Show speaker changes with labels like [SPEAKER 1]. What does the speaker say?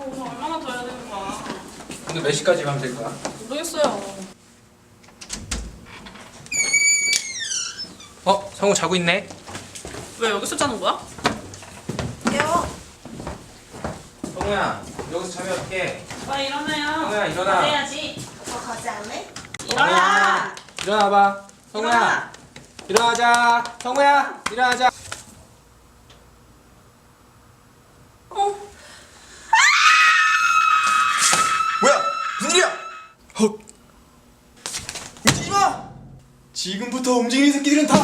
[SPEAKER 1] 오늘 얼마나 더 해야 되는 거야?
[SPEAKER 2] 오늘 몇 시까지 가면 될까?
[SPEAKER 1] 모르겠어요.
[SPEAKER 2] 성우 자고 있네.
[SPEAKER 1] 왜 여기서 자는 거야?
[SPEAKER 3] 깨워.
[SPEAKER 2] 성우야, 여기서 자면 어떡해?
[SPEAKER 1] 빨리 일어나요.
[SPEAKER 2] 성우야, 일어나.
[SPEAKER 1] 해야지.
[SPEAKER 3] 아빠 가지 않을래?
[SPEAKER 1] 일어나.
[SPEAKER 2] 일어나봐. 성우야, 일어나자. 성우야, 일어나자.
[SPEAKER 4] 뭐야? 무슨 일이야? 헉! 움직이지 마! 지금부터 움직이는 새끼들은 다